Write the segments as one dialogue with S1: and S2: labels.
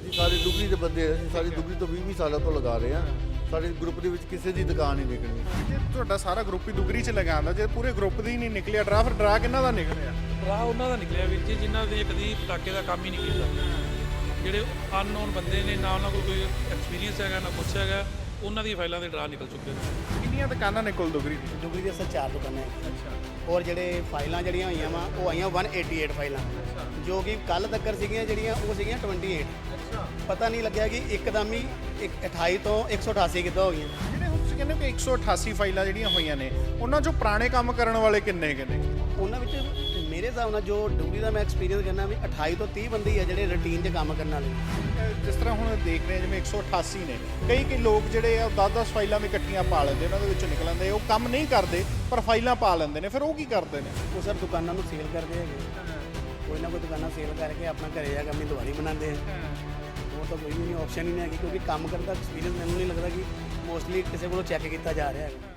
S1: ਅਸੀਂ ਸਾਰੇ ਡੁਗਰੀ ਦੇ ਬੰਦੇ ਹਾਂ, ਅਸੀਂ ਸਾਰੀ ਡੁਗਰੀ ਤੋਂ 20 ਸਾਲਾਂ ਤੋਂ ਲਗਾ ਰਹੇ ਹਾਂ। ਸਾਡੇ ਗਰੁੱਪ ਦੇ ਵਿੱਚ ਕਿਸੇ ਦੀ ਦੁਕਾਨ ਨਹੀਂ ਨਿਕਲਣੀ।
S2: ਜੇ ਤੁਹਾਡਾ ਸਾਰਾ ਗਰੁੱਪ ਹੀ ਦੁਗਰੀ 'ਚ ਲਗਾਉਂਦਾ, ਜੇ ਪੂਰੇ ਗਰੁੱਪ ਦੀ ਨਹੀਂ ਨਿਕਲਿਆ ਡਰਾ, ਫਿਰ ਡਰਾ ਕਿਹਨਾਂ ਦਾ ਨਿਕਲਿਆ?
S3: ਰਾਹ ਉਹਨਾਂ ਦਾ ਨਿਕਲਿਆ ਵੀਰ ਜੀ ਜਿਨ੍ਹਾਂ ਦੇ ਕਦੀ ਪਟਾਕੇ ਦਾ ਕੰਮ ਹੀ ਨਹੀਂ ਕੀਤਾ। ਜਿਹੜੇ ਅਨਨੋਨ ਬੰਦੇ ਨੇ, ਨਾ ਉਹਨਾਂ ਕੋਲ ਕੋਈ ਐਕਸਪੀਰੀਅੰਸ ਹੈਗਾ ਨਾ ਕੁਛ ਹੈਗਾ, ਉਹਨਾਂ ਦੀ ਫਾਈਲਾਂ ਦੇ ਡਰਾ ਨਿਕਲ ਚੁੱਕੇ ਨੇ।
S2: ਕਿੰਨੀਆਂ ਦੁਕਾਨਾਂ ਨੇ ਕੁੱਲ ਦੁਗਰੀ ਦੀ?
S4: ਡੁਗਰੀ ਦੇ ਅਸਲ 4 ਦੁਕਾਨਾਂ ਹੈ।
S2: ਅੱਛਾ।
S4: ਔਰ ਜਿਹੜੇ ਫਾਈਲਾਂ ਜਿਹੜੀਆਂ ਹੋਈਆਂ ਵਾ ਉਹ ਆਈਆਂ 188 ਫਾਈਲਾਂ, ਜੋ ਕਿ ਕੱਲ ਤੱਕ ਸੀਗੀਆਂ ਜਿਹੜੀਆਂ ਉਹ ਸੀਗੀਆਂ 28।
S2: ਅੱਛਾ।
S4: ਪਤਾ ਨਹੀਂ ਲੱਗਿਆ ਕਿ ਇੱਕਦਮ ਹੀ 28 ਤੋਂ 188 ਕਿੱਦਾਂ ਹੋ ਗਈਆਂ।
S2: ਜਿਹੜੇ ਹੁਣ ਤੁਸੀਂ ਕਹਿੰਦੇ ਹੋ ਕਿ 188 ਫਾਈਲਾਂ ਜਿਹੜੀਆਂ ਹੋਈਆਂ ਨੇ, ਉਹਨਾਂ 'ਚੋਂ ਪੁਰਾਣੇ ਕੰਮ ਕਰਨ ਵਾਲੇ ਕਿੰਨੇ ਨੇ?
S4: ਉਹਨਾਂ ਵਿੱਚ ਮੇਰੇ ਹਿਸਾਬ ਨਾਲ ਜੋ ਡੁਗਰੀ ਦਾ ਮੈਂ ਐਕਸਪੀਰੀਅੰਸ ਕਰਨਾ ਵੀ 28 ਤੋਂ 30 ਬੰਦੇ ਹੀ ਆ ਜਿਹੜੇ ਰੂਟੀਨ 'ਚ ਕੰਮ ਕਰਨ ਵਾਲੇ।
S2: ਜਿਸ ਤਰ੍ਹਾਂ ਹੁਣ ਦੇਖ ਰਹੇ ਹਾਂ ਜਿਵੇਂ 188 ਨੇ, ਕਈ ਲੋਕ ਜਿਹੜੇ ਆ 10-10 ਫਾਈਲਾਂ ਵੀ ਇਕੱਠੀਆਂ ਪਾ ਲੈਂਦੇ, ਉਹਨਾਂ ਦੇ ਵਿੱਚੋਂ ਨਿਕਲ ਆਉਂਦੇ। ਉਹ ਕੰਮ ਨਹੀਂ ਕਰਦੇ ਪਰ ਫਾਈਲਾਂ ਪਾ ਲੈਂਦੇ ਨੇ, ਫਿਰ ਉਹ ਕੀ ਕਰਦੇ ਨੇ?
S4: ਉਹ ਸਰ ਦੁਕਾਨਾਂ ਨੂੰ ਸੇਲ ਕਰਦੇ ਹੈਗੇ, ਕੋਈ ਨਾ ਕੋਈ ਦੁਕਾਨਾਂ ਸੇਲ ਕਰਕੇ ਆਪਣਾ ਘਰੇ ਜਾ ਕੇ ਆਪਣੀ ਦਿਵਾਲੀ ਬਣਾਉਂਦੇ ਆ। ਹੋਰ ਤਾਂ ਕੋਈ ਵੀ ਨਹੀਂ, ਆਪਸ਼ਨ ਹੀ ਨਹੀਂ ਹੈਗੀ, ਕਿਉਂਕਿ ਕੰਮ ਕਰਨ ਦਾ ਐਕਸਪੀਰੀਅੰਸ ਮੈਨੂੰ ਨਹੀਂ ਲੱਗਦਾ ਕਿ ਮੋਸਟਲੀ ਕਿਸੇ ਕੋਲੋਂ ਚੈੱਕ ਕੀਤਾ ਜਾ ਰਿਹਾ ਹੈਗਾ।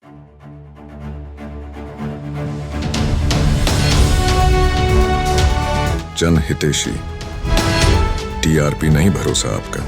S5: जन हितेशी टीआरपी नहीं भरोसा आपका।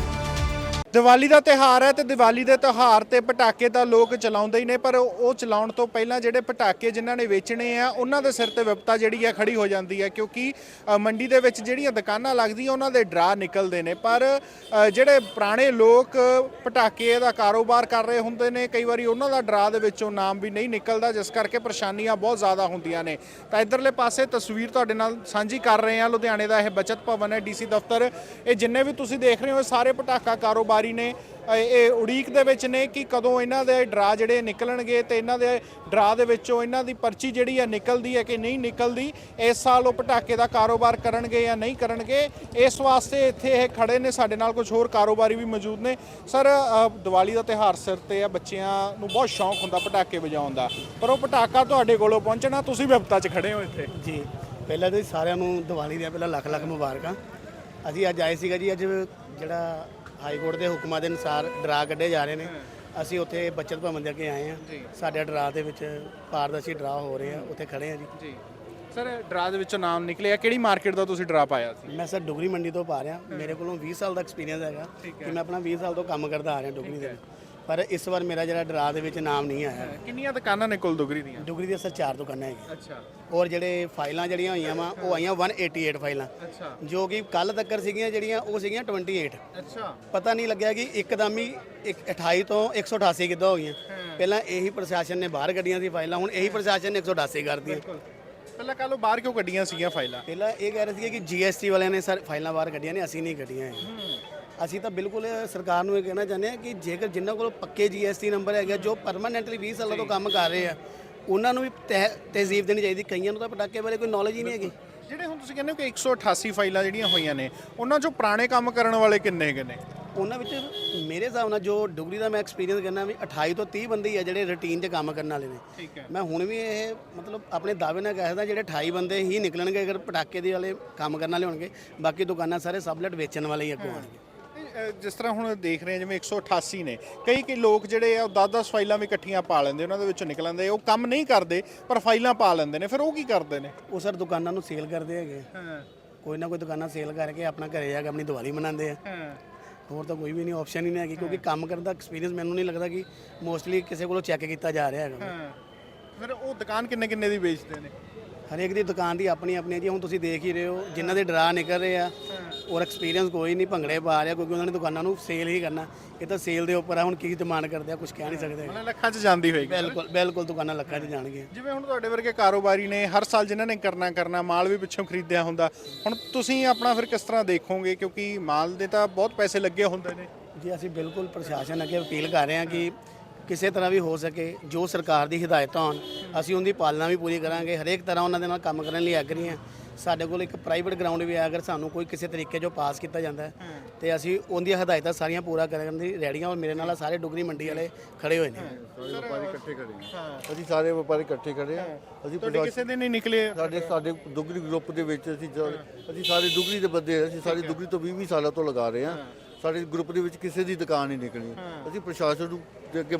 S2: ਦੀਵਾਲੀ ਦਾ ਤਿਉਹਾਰ ਹੈ ਤੇ ਦੀਵਾਲੀ ਦੇ ਤਿਉਹਾਰ ਤੇ ਪਟਾਕੇ ਤਾਂ ਲੋਕ ਚਲਾਉਂਦੇ ਹੀ ਨੇ, ਪਰ ਉਹ ਚਲਾਉਣ ਤੋਂ ਪਹਿਲਾਂ ਜਿਹੜੇ ਪਟਾਕੇ ਜਿਨ੍ਹਾਂ ਨੇ ਵੇਚਣੇ ਆ ਉਹਨਾਂ ਦੇ ਸਿਰ ਤੇ ਵਿਪਤਾ ਜਿਹੜੀ ਹੈ ਖੜੀ ਹੋ ਜਾਂਦੀ ਹੈ, ਕਿਉਂਕਿ ਮੰਡੀ ਦੇ ਵਿੱਚ ਜਿਹੜੀਆਂ ਦੁਕਾਨਾਂ ਲੱਗਦੀਆਂ ਉਹਨਾਂ ਦੇ ਡਰਾ ਨਿਕਲਦੇ ਨੇ। ਪਰ ਜਿਹੜੇ ਪੁਰਾਣੇ ਲੋਕ ਪਟਾਕੇ ਦਾ ਕਾਰੋਬਾਰ ਕਰ ਰਹੇ ਹੁੰਦੇ ਨੇ, ਕਈ ਵਾਰੀ ਉਹਨਾਂ ਦਾ ਡਰਾ ਦੇ ਵਿੱਚੋਂ ਨਾਮ ਵੀ ਨਹੀਂ ਨਿਕਲਦਾ, ਜਿਸ ਕਰਕੇ ਪਰੇਸ਼ਾਨੀਆਂ ਬਹੁਤ ਜ਼ਿਆਦਾ ਹੁੰਦੀਆਂ ਨੇ। ਤਾਂ ਇੱਧਰਲੇ ਪਾਸੇ ਤਸਵੀਰ ਤੁਹਾਡੇ ਨਾਲ ਸਾਂਝੀ ਕਰ ਰਹੇ ਹਾਂ, ਲੁਧਿਆਣੇ ਦਾ ਇਹ ਬਚਤ ਭਵਨ ਹੈ, ਡੀਸੀ ਦਫ਼ਤਰ। ਇਹ ਜਿੰਨੇ ਵੀ ਤੁਸੀਂ ਦੇਖ ਰਹੇ ਹੋ ਸਾਰੇ ਪਟਾਕਾ ਕਾਰੋਬਾਰੀ ਨੇ ਇਹ ਉਡੀਕ ਦੇ ਵਿੱਚ ਨੇ ਕਿ ਕਦੋਂ ਇਹਨਾਂ ਦੇ ਡਰਾ ਜਿਹੜੇ ਨਿਕਲਣਗੇ ਤੇ ਇਹਨਾਂ ਦੇ ਡਰਾ ਦੇ ਵਿੱਚੋਂ ਇਹਨਾਂ ਦੀ ਪਰਚੀ ਜਿਹੜੀ ਹੈ ਨਿਕਲਦੀ ਹੈ ਕਿ ਨਹੀਂ ਨਿਕਲਦੀ। ਇਸ ਸਾਲ ਉਹ ਪਟਾਕੇ ਦਾ ਕਾਰੋਬਾਰ ਕਰਨਗੇ ਜਾਂ ਨਹੀਂ ਕਰਨਗੇ, ਇਸ ਵਾਸਤੇ ਇੱਥੇ ਇਹ ਖੜੇ ਨੇ। ਸਾਡੇ ਨਾਲ ਕੁਝ ਹੋਰ ਕਾਰੋਬਾਰੀ ਵੀ ਮੌਜੂਦ ਨੇ। ਸਰ, ਦੀਵਾਲੀ ਦਾ ਤਿਉਹਾਰ ਸਿਰ ਤੇ ਆ, ਬੱਚਿਆਂ ਨੂੰ ਬਹੁਤ ਸ਼ੌਂਕ ਹੁੰਦਾ ਪਟਾਕੇ ਵਜਾਉਣ ਦਾ, ਪਰ ਉਹ ਪਟਾਕਾ ਤੁਹਾਡੇ ਕੋਲੋਂ ਪਹੁੰਚਣਾ, ਤੁਸੀਂ ਵਿਪਤਾ 'ਚ ਖੜੇ ਹੋ ਇੱਥੇ।
S4: ਜੀ, ਪਹਿਲਾਂ ਤਾਂ ਸਾਰਿਆਂ ਨੂੰ ਦੀਵਾਲੀ ਦੀਆਂ ਪਹਿਲਾਂ ਲੱਖ ਲੱਖ ਮੁਬਾਰਕਾਂ। ਅਸੀਂ ਅੱਜ ਆਏ ਸੀਗਾ ਜੀ, ਅੱਜ ਜਿਹੜਾ ਹਾਈ ਕੋਰਟ ਦੇ ਹੁਕਮਾਂ ਦੇ ਅਨੁਸਾਰ ਡਰਾ ਕੱਢੇ ਜਾ ਰਹੇ ਨੇ, ਅਸੀਂ ਉੱਥੇ ਬਚਤ ਭਵਨ ਦੇ ਅੱਗੇ ਆਏ ਹਾਂ। ਸਾਡੇ ਡਰਾ ਦੇ ਵਿੱਚ ਪਾਰਦਰਸ਼ੀ ਡਰਾ ਹੋ ਰਹੇ ਆ, ਉੱਥੇ ਖੜੇ ਆ ਜੀ।
S2: ਸਰ, ਡਰਾ ਦੇ ਵਿੱਚੋਂ ਨਾਮ ਨਿਕਲਿਆ, ਕਿਹੜੀ ਮਾਰਕੀਟ ਦਾ ਤੁਸੀਂ ਡਰਾ ਪਾਇਆ ਸੀ?
S4: ਮੈਂ ਸਰ ਡੁਗਰੀ ਮੰਡੀ ਤੋਂ ਪਾ ਰਿਹਾ। ਮੇਰੇ ਕੋਲੋਂ 20 ਸਾਲ ਦਾ ਐਕਸਪੀਰੀਅੰਸ ਹੈਗਾ ਕਿ ਮੈਂ ਆਪਣਾ 20 ਸਾਲ ਤੋਂ ਕੰਮ ਕਰਦਾ ਆ ਰਿਹਾ ਡੁਗਰੀ ਦੇ ਵਿੱਚ, ਪਰ ਇਸ ਵਾਰ ਮੇਰਾ ਜਿਹੜਾ ਡਰਾ ਦੇ ਵਿੱਚ ਨਾਮ ਨਹੀਂ ਆਇਆ।
S2: ਕਿੰਨੀਆਂ ਦੁਕਾਨਾਂ ਨੇ ਕੁੱਲ ਦੁਗਰੀ ਦੀਆਂ?
S4: ਡੁਗਰੀ ਦੀਆਂ ਸਰ 4 ਦੁਕਾਨਾਂ ਹੈਗੀਆਂ।
S2: ਅੱਛਾ।
S4: ਔਰ ਜਿਹੜੇ ਫਾਈਲਾਂ ਜਿਹੜੀਆਂ ਹੋਈਆਂ ਵਾ ਉਹ ਆਈਆਂ 188 ਫਾਈਲਾਂ,
S2: ਅੱਛਾ,
S4: ਜੋ ਕਿ ਕੱਲ ਤੱਕ ਸੀਗੀਆਂ ਜਿਹੜੀਆਂ ਉਹ ਸੀਗੀਆਂ 28।
S2: ਅੱਛਾ।
S4: ਪਤਾ ਨਹੀਂ ਲੱਗਿਆ ਕਿ ਇੱਕਦਮ ਹੀ 28 ਤੋਂ 188 ਕਿੱਦਾਂ ਹੋ ਗਈਆਂ। ਪਹਿਲਾਂ ਇਹੀ ਪ੍ਰਸ਼ਾਸਨ ਨੇ ਬਾਹਰ ਕੱਢੀਆਂ ਸੀ ਫਾਈਲਾਂ, ਹੁਣ ਇਹੀ ਪ੍ਰਸ਼ਾਸਨ ਨੇ 188 ਕਰਤੀਆਂ।
S2: ਪਹਿਲਾਂ ਕੱਲ ਬਾਹਰ ਕਿਉਂ ਕੱਢੀਆਂ ਸੀਗੀਆਂ ਫਾਈਲਾਂ?
S4: ਪਹਿਲਾਂ ਇਹ ਕਹਿ ਰਹੇ ਸੀ ਕਿ ਜੀਐਸਟੀ ਵਾਲਿਆਂ ਨੇ ਸਰ ਫਾਈਲਾਂ ਬਾਹਰ ਕੱਢੀਆਂ ਨੇ, ਅਸੀਂ ਨਹੀਂ ਕੱਢੀਆਂ ਹੈ। ਅਸੀਂ ਤਾਂ ਬਿਲਕੁਲ ਸਰਕਾਰ ਨੂੰ ਇਹ ਕਹਿਣਾ ਚਾਹੁੰਦੇ ਹਾਂ ਕਿ ਜੇਕਰ ਜਿਨ੍ਹਾਂ ਕੋਲ ਪੱਕੇ ਜੀਐਸਟੀ ਨੰਬਰ ਹੈਗਾ, ਜੋ ਪਰਮਾਨੈਂਟਲੀ 20 ਸਾਲਾਂ ਤੋਂ ਕੰਮ ਕਰ ਰਹੇ ਆ, ਉਹਨਾਂ ਨੂੰ ਵੀ ਤਹਿਜ਼ੀਬ ਦੇਣੀ ਚਾਹੀਦੀ। ਕਈਆਂ ਨੂੰ ਤਾਂ ਪਟਾਕੇ ਬਾਰੇ ਕੋਈ ਨੌਲੇਜ ਹੀ ਨਹੀਂ ਹੈਗੀ।
S2: ਜਿਹੜੇ ਹੁਣ ਤੁਸੀਂ ਕਹਿੰਦੇ ਹੋ ਕਿ 188 ਫਾਈਲਾਂ ਜਿਹੜੀਆਂ ਹੋਈਆਂ ਨੇ, ਉਹਨਾਂ 'ਚੋਂ ਪੁਰਾਣੇ ਕੰਮ ਕਰਨ ਵਾਲੇ ਕਿੰਨੇ ਨੇ?
S4: ਉਹਨਾਂ ਵਿੱਚ ਮੇਰੇ ਹਿਸਾਬ ਨਾਲ ਜੋ ਡੁਗਰੀ ਦਾ ਮੈਂ ਐਕਸਪੀਰੀਅੰਸ ਕਰਨਾ ਵੀ 28 ਤੋਂ 30 ਬੰਦੇ ਹੀ ਆ ਜਿਹੜੇ ਰੂਟੀਨ 'ਚ ਕੰਮ ਕਰਨ ਵਾਲੇ ਨੇ।
S2: ਠੀਕ ਹੈ।
S4: ਮੈਂ ਹੁਣ ਵੀ ਇਹ ਮਤਲਬ ਆਪਣੇ ਦਾਅਵੇ ਨਾਲ ਕਹਿ ਸਕਦਾ ਜਿਹੜੇ 28 ਬੰਦੇ ਹੀ ਨਿਕਲਣਗੇ ਅਗਰ ਪਟਾਕੇ ਦੇ ਵਾਲੇ ਕੰਮ ਕਰਨ ਵਾਲੇ ਹੋਣਗੇ। ਬਾਕੀ ਦੁਕਾਨਾਂ ਸਾਰੇ ਸਬਲਟ ਵੇਚਣ ਵਾਲੇ ਹੀ ਅੱਗੋਂ ਆਉਣਗੇ।
S2: ਜਿਸ ਤਰ੍ਹਾਂ ਹੁਣ ਦੇਖ ਰਹੇ ਹਾਂ ਜਿਵੇਂ 188 ਨੇ, ਕਈ ਲੋਕ ਜਿਹੜੇ ਆ 10-10 ਫਾਈਲਾਂ ਵੀ ਇਕੱਠੀਆਂ ਪਾ ਲੈਂਦੇ, ਉਹਨਾਂ ਦੇ ਵਿੱਚੋਂ ਨਿਕਲ ਆਉਂਦੇ। ਉਹ ਕੰਮ ਨਹੀਂ ਕਰਦੇ ਪਰ ਫਾਈਲਾਂ ਪਾ ਲੈਂਦੇ ਨੇ, ਫਿਰ ਉਹ ਕੀ ਕਰਦੇ ਨੇ?
S4: ਉਹ ਸਰ ਦੁਕਾਨਾਂ ਨੂੰ ਸੇਲ ਕਰਦੇ ਹੈਗੇ, ਕੋਈ ਨਾ ਕੋਈ ਦੁਕਾਨਾਂ ਸੇਲ ਕਰਕੇ ਆਪਣਾ ਘਰੇ ਜਾ ਕੇ ਆਪਣੀ ਦਿਵਾਲੀ ਮਨਾਉਂਦੇ ਆ। ਹੋਰ ਤਾਂ ਕੋਈ ਵੀ ਨਹੀਂ, ਆਪਸ਼ਨ ਹੀ ਨਹੀਂ ਹੈਗੀ, ਕਿਉਂਕਿ ਕੰਮ ਕਰਨ ਦਾ ਐਕਸਪੀਰੀਅੰਸ ਮੈਨੂੰ ਨਹੀਂ ਲੱਗਦਾ ਕਿ ਮੋਸਟਲੀ ਕਿਸੇ ਕੋਲੋਂ ਚੈੱਕ ਕੀਤਾ ਜਾ ਰਿਹਾ ਹੈਗਾ।
S2: ਫਿਰ ਉਹ ਦੁਕਾਨ ਕਿੰਨੇ ਦੀ ਵੇਚਦੇ ਨੇ?
S4: ਹਰੇਕ ਦੀ ਦੁਕਾਨ ਦੀ ਆਪਣੀ ਆਪਣੀ ਜੀ। ਹੁਣ ਤੁਸੀਂ ਦੇਖ ਹੀ ਰਹੇ ਹੋ ਜਿਨ੍ਹਾਂ ਦੇ ਡਰਾ ਨਿਕਲ ਰਹੇ ਆ ਔਰ ਐਕਸਪੀਰੀਅੰਸ ਕੋਈ ਨਹੀਂ, ਭੰਗੜੇ ਪਾ ਰਿਹਾ, ਕਿਉਂਕਿ ਉਹਨਾਂ ਨੇ ਦੁਕਾਨਾਂ ਨੂੰ ਸੇਲ ਹੀ ਕਰਨਾ। ਇਹ ਤਾਂ ਸੇਲ ਦੇ ਉੱਪਰ ਆ, ਹੁਣ ਕੀ ਡਿਮਾਂਡ ਕਰਦੇ ਆ ਕੁਝ ਕਹਿ ਨਹੀਂ ਸਕਦੇ।
S2: ਮਤਲਬ ਲੱਖਾਂ 'ਚ ਜਾਂਦੀ ਹੋਏਗੀ।
S4: ਬਿਲਕੁਲ ਬਿਲਕੁਲ, ਦੁਕਾਨਾਂ ਲੱਖਾਂ 'ਚ ਜਾਣਗੀਆਂ।
S2: ਜਿਵੇਂ ਹੁਣ ਤੁਹਾਡੇ ਵਰਗੇ ਕਾਰੋਬਾਰੀ ਨੇ, ਹਰ ਸਾਲ ਜਿਨ੍ਹਾਂ ਨੇ ਕਰਨਾ ਮਾਲ ਵੀ ਪਿੱਛੋਂ ਖਰੀਦਿਆ ਹੁੰਦਾ, ਹੁਣ ਤੁਸੀਂ ਆਪਣਾ ਫਿਰ ਕਿਸ ਤਰ੍ਹਾਂ ਦੇਖੋਗੇ, ਕਿਉਂਕਿ ਮਾਲ ਦੇ ਤਾਂ ਬਹੁਤ ਪੈਸੇ ਲੱਗੇ ਹੁੰਦੇ ਨੇ?
S4: ਜੀ, ਅਸੀਂ ਬਿਲਕੁਲ ਪ੍ਰਸ਼ਾਸਨ ਅੱਗੇ ਅਪੀਲ ਕਰ ਰਹੇ ਹਾਂ ਕਿ ਕਿਸੇ ਤਰ੍ਹਾਂ ਵੀ ਹੋ ਸਕੇ ਜੋ ਸਰਕਾਰ ਦੀ ਹਦਾਇਤਾਂ ਹੋਣ, ਅਸੀਂ ਉਹਦੀ ਪਾਲਣਾ ਵੀ ਪੂਰੀ ਕਰਾਂਗੇ। ਹਰੇਕ ਤਰ੍ਹਾਂ ਉਹਨਾਂ ਦੇ ਨਾਲ ਕੰਮ ਕਰਨ ਲਈ ਐਗਰੀ ਹਾਂ। ਸਾਡੇ ਕੋਲ ਇੱਕ ਪ੍ਰਾਈਵੇਟ ਗਰਾਊਂਡ ਵੀ ਹੈ, ਅਗਰ ਸਾਨੂੰ ਕੋਈ ਕਿਸੇ ਤਰੀਕੇ ਜੋ ਪਾਸ ਕੀਤਾ ਜਾਂਦਾ ਹੈ ਤੇ ਅਸੀਂ ਉਹਦੀਆਂ ਹਦਾਇਤਾਂ ਸਾਰੀਆਂ ਪੂਰਾ ਕਰਨ ਦੀ ਰੈਡੀਆਂ। ਔਰ ਮੇਰੇ ਨਾਲ ਸਾਰੇ ਡੁਗਰੀ ਮੰਡੀ ਵਾਲੇ ਖੜੇ ਹੋਏ ਨੇ।
S1: ਸਾਰੇ ਵਪਾਰੀ ਇਕੱਠੇ ਖੜੇ ਹਾਂ, ਅਸੀਂ ਸਾਰੇ ਵਪਾਰੀ ਇਕੱਠੇ ਖੜੇ ਹਾਂ। ਅਸੀਂ
S2: ਕਿਸੇ ਦੇ ਨਹੀਂ ਨਿਕਲੇ?
S1: ਸਾਡੇ ਡੁਗਰੀ ਗਰੁੱਪ ਦੇ ਵਿੱਚ ਅਸੀਂ ਸਾਰੇ ਡੁਗਰੀ ਦੇ ਬੰਦੇ ਹਾਂ, ਅਸੀਂ ਸਾਰੀ ਡੁਗਰੀ ਤੋਂ 20 ਸਾਲਾਂ ਤੋਂ ਲਗਾ ਰਹੇ ਹਾਂ। ਸਾਡੇ ਗਰੁੱਪ ਦੇ ਵਿੱਚ ਕਿਸੇ ਦੀ ਦੁਕਾਨ ਨਹੀਂ ਨਿਕਲਣੀ। ਅਸੀਂ ਪ੍ਰਸ਼ਾਸਨ ਨੂੰ ਦੇ ਅੱਗੇ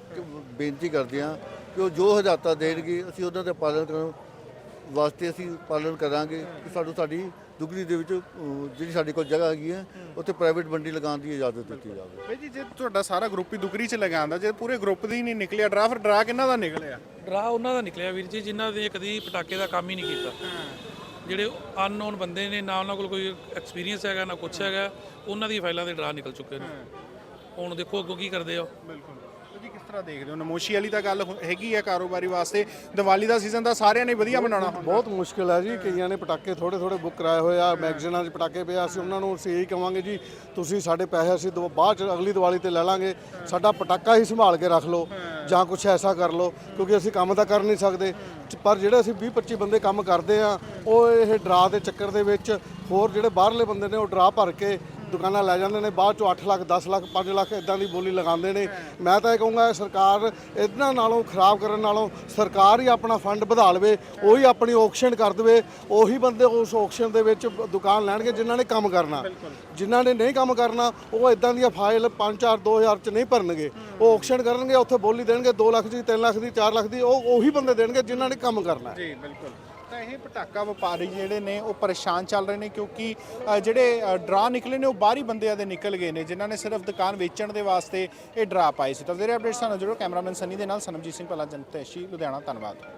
S1: ਬੇਨਤੀ ਕਰਦੇ ਹਾਂ ਕਿ ਉਹ ਜੋ ਹਦਾਇਤਾਂ ਦੇਣਗੇ ਅਸੀਂ ਉਹਨਾਂ ਦਾ ਪਾਲਣ ਕਰਨ ਵਾਸਤੇ ਅਸੀਂ ਪਾਲਣ ਕਰਾਂਗੇ ਕਿ ਸਾਡੀ ਦੁਗਰੀ ਦੇ ਵਿੱਚ ਜਿਹੜੀ ਸਾਡੇ ਕੋਲ ਜਗ੍ਹਾ ਹੈਗੀ ਹੈ ਉੱਥੇ ਪ੍ਰਾਈਵੇਟ ਮੰਡੀ ਲਗਾਉਣ ਦੀ ਇਜਾਜ਼ਤ ਦਿੱਤੀ ਜਾਵੇ।
S2: ਬਈ ਜੀ ਜੇ ਤੁਹਾਡਾ ਸਾਰਾ ਗਰੁੱਪ ਹੀ ਦੁਗਰੀ 'ਚ ਲਗਾਉਂਦਾ, ਜੇ ਪੂਰੇ ਗਰੁੱਪ ਦੀ ਨਹੀਂ ਨਿਕਲਿਆ ਡਰਾ, ਫਿਰ ਡਰਾ ਕਿਹਨਾਂ ਦਾ ਨਿਕਲਿਆ?
S3: ਡਰਾ ਉਹਨਾਂ ਦਾ ਨਿਕਲਿਆ ਵੀਰ ਜੀ ਜਿਨ੍ਹਾਂ ਦੇ ਕਦੀ ਪਟਾਕੇ ਦਾ ਕੰਮ ਹੀ ਨਹੀਂ ਕੀਤਾ। ਜਿਹੜੇ ਅਨਨੋਨ ਬੰਦੇ ਨੇ, ਨਾ ਉਹਨਾਂ ਕੋਲ ਕੋਈ ਐਕਸਪੀਰੀਅੰਸ ਹੈਗਾ ਨਾ ਕੁਛ ਹੈਗਾ, ਉਹਨਾਂ ਦੀ ਫਾਈਲਾਂ ਦੇ ਡਰਾ ਨਿਕਲ ਚੁੱਕੇ ਨੇ। ਹੁਣ ਦੇਖੋ ਅੱਗੋਂ ਕੀ ਕਰਦੇ ਆ।
S2: ਬਿਲਕੁਲ ਜੀ, ਕਿਸ ਤਰ੍ਹਾਂ ਦੇਖਦੇ ਹੋ? ਨਮੋਸ਼ੀ ਵਾਲੀ ਤਾਂ ਗੱਲ ਹੈਗੀ ਹੈ ਕਾਰੋਬਾਰੀ ਵਾਸਤੇ, ਦੀਵਾਲੀ ਦਾ ਸੀਜ਼ਨ ਤਾਂ ਸਾਰਿਆਂ ਨੇ ਵਧੀਆ ਮਨਾਉਣਾ ਹੁੰਦਾ।
S6: ਬਹੁਤ ਮੁਸ਼ਕਿਲ ਹੈ ਜੀ, ਕਈਆਂ ਨੇ ਪਟਾਕੇ ਥੋੜੇ ਬੁੱਕ ਕਰਾਏ ਹੋਏ ਆ, ਮੈਗਜ਼ੀਨਾਂ 'ਚ ਪਟਾਕੇ ਪਿਆ। ਅਸੀਂ ਉਹਨਾਂ ਨੂੰ ਇਹੀ ਕਵਾਂਗੇ ਜੀ ਤੁਸੀਂ ਸਾਡੇ ਪੈਸੇ ਅਸੀਂ ਬਾਅਦ 'ਚ ਅਗਲੀ ਦੀਵਾਲੀ ਤੇ ਲੈ ਲਾਂਗੇ, ਸਾਡਾ ਪਟਾਕਾ ਹੀ ਸੰਭਾਲ ਕੇ ਰੱਖ ਲਓ ਜਾਂ ਕੁਝ ਐਸਾ ਕਰ ਲਓ, ਕਿਉਂਕਿ ਅਸੀਂ ਕੰਮ ਤਾਂ ਕਰ ਨਹੀਂ ਸਕਦੇ। ਪਰ ਜਿਹੜੇ ਅਸੀਂ 20-25 ਬੰਦੇ ਕੰਮ ਕਰਦੇ ਆ, ਉਹ ਇਹ ਡਰਾ ਦੇ ਚੱਕਰ ਦੇ ਵਿੱਚ ਹੋਰ ਜਿਹੜੇ ਬਾਹਰਲੇ ਬੰਦੇ ਨੇ ਉਹ ਡਰਾ ਭਰ ਕੇ ਦੁਕਾਨਾਂ ਲੈ ਜਾਂਦੇ ਨੇ, ਬਾਅਦ ਚੋਂ 8 ਲੱਖ 10 ਲੱਖ 5 ਲੱਖ ਇਦਾਂ ਦੀ ਬੋਲੀ ਲਗਾਉਂਦੇ ਨੇ। ਮੈਂ ਤਾਂ ਇਹ ਕਹੂੰਗਾ ਸਰਕਾਰ ਇਹਨਾਂ ਨਾਲੋਂ ਖਰਾਬ ਕਰਨ ਨਾਲੋਂ ਸਰਕਾਰ ਹੀ ਆਪਣਾ ਫੰਡ ਵਧਾ ਲਵੇ, ਉਹੀ ਆਪਣੀ ਆਕਸ਼ਨ ਕਰ ਦੇਵੇ, ਉਹੀ ਬੰਦੇ ਉਸ ਆਕਸ਼ਨ ਦੇ ਵਿੱਚ ਦੁਕਾਨ ਲੈਣਗੇ ਜਿਨ੍ਹਾਂ ਨੇ ਕੰਮ ਕਰਨਾ। ਜਿਨ੍ਹਾਂ ਨੇ ਨਹੀਂ ਕੰਮ ਕਰਨਾ ਉਹ ਇਦਾਂ ਦੀਆਂ ਫਾਈਲ 5-4 2000 ਚ ਨਹੀਂ ਭਰਨਗੇ, ਉਹ ਆਕਸ਼ਨ ਕਰਨਗੇ, ਉੱਥੇ ਬੋਲੀ ਦੇਣਗੇ 2 ਲੱਖ ਦੀ 3 ਲੱਖ ਦੀ 4 ਲੱਖ ਦੀ, ਉਹ ਉਹੀ ਬੰਦੇ ਦੇਣਗੇ ਜਿਨ੍ਹਾਂ ਨੇ ਕੰਮ ਕਰਨਾ।
S2: ਜੀ ਬਿਲਕੁਲ। ਤਾਂ ਇਹ ਪਟਾਕਾ ਵਪਾਰੀ ਜਿਹੜੇ ਨੇ ਉਹ ਪਰੇਸ਼ਾਨ ਚੱਲ ਰਹੇ ਨੇ, ਕਿਉਂਕਿ ਜਿਹੜੇ ਡਰਾ ਨਿਕਲੇ ਨੇ ਉਹ ਬਾਹਰੀ ਬੰਦਿਆਂ ਦੇ ਨਿਕਲ ਗਏ ਨੇ, ਜਿਨ੍ਹਾਂ ਨੇ ਸਿਰਫ ਦੁਕਾਨ ਵੇਚਣ ਦੇ ਵਾਸਤੇ ਇਹ ਡਰਾ ਪਾਏ ਸੀ। ਤਾਂ ਜਿਹੜੇ ਅਪਡੇਟਸ ਸਾਨੂੰ ਜਰੂਰ ਕੈਮਰਾਮੈਨ ਸਨੀ ਦੇ ਨਾਲ ਸਨਮਜੀਤ ਸਿੰਘ ਭੱਲਾ, ਜਨਤੈਸ਼ੀ ਲੁਧਿਆਣਾ। ਧੰਨਵਾਦ।